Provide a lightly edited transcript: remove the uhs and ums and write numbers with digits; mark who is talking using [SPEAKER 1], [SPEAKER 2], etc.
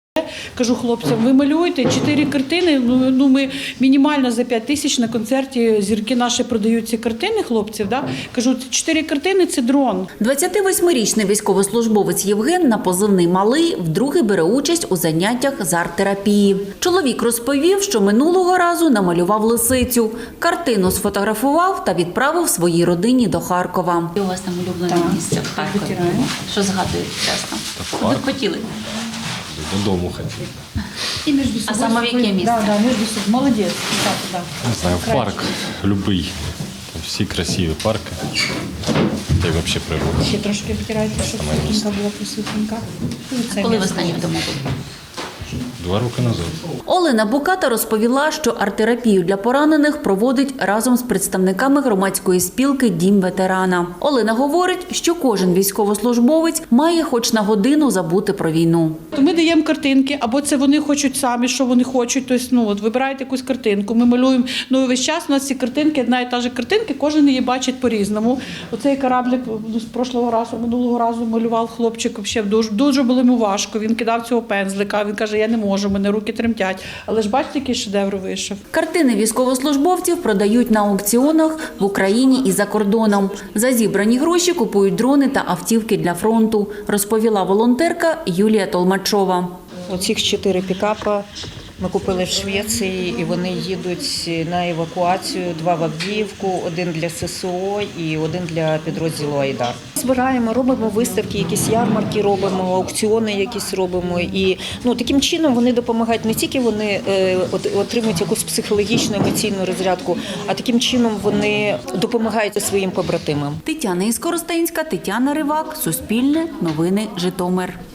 [SPEAKER 1] Кажу хлопцям, ви малюєте 4 картини, ми мінімально за 5 тисяч на концерті зірки наші продають ці картини хлопців. Да? Кажу, 4 картини – це дрон.
[SPEAKER 2] 28-річний військовослужбовець Євген на позивний «Малий» вдруге бере участь у заняттях з арт-терапії. Чоловік розповів, що минулого разу намалював лисицю. Картину сфотографував та відправив своїй родині до Харкова. У вас там улюблене місце в Харкові. Що згадуєте часто? Куди б хотіли?
[SPEAKER 3] Додому хотів.
[SPEAKER 2] А саме в яке місце?
[SPEAKER 1] Да, між собою. Молодець.
[SPEAKER 3] Не знаю, в парк любий. Там всі красиві парки. Та й взагалі природа.
[SPEAKER 1] Ще трошки витирайте, щоб світлинка була присутненька.
[SPEAKER 2] Коли ви останнє вдома були?
[SPEAKER 3] 2 роки назад.
[SPEAKER 2] Олена Буката розповіла, що арт-терапію для поранених проводить разом з представниками громадської спілки «Дім ветерана». Олена говорить, що кожен військовослужбовець має хоч на годину забути про війну.
[SPEAKER 1] Ми даємо картинки, або це вони хочуть самі, що вони хочуть. Тобто, вибирають якусь картинку, ми малюємо. Весь час у нас ці картинки, одна і та ж картинка, кожен її бачить по-різному. Оцей кораблик з минулого разу малював хлопчик, дуже було йому важко. Він кидав цього пензлика, він каже, я не можу, у мене руки тремтять. Але ж бачите, який шедевр вийшов.
[SPEAKER 2] Картини військовослужбовців продають на аукціонах в Україні і за кордоном. За зібрані гроші купують дрони та автівки для фронту, розповіла волонтерка Юлія Толмачова.
[SPEAKER 4] Оцих 4 пікапа ми купили в Швеції, і вони їдуть на евакуацію, 2 в Авдіївку, 1 для ССО і 1 для підрозділу «Айдар». Збираємо, робимо виставки, якісь ярмарки робимо, аукціони якісь робимо. І таким чином вони допомагають, не тільки вони отримують якусь психологічну, емоційну розрядку, а таким чином вони допомагають своїм побратимам.
[SPEAKER 2] Тетяна Іскоростенська, Тетяна Ривак, Суспільне, Новини, Житомир.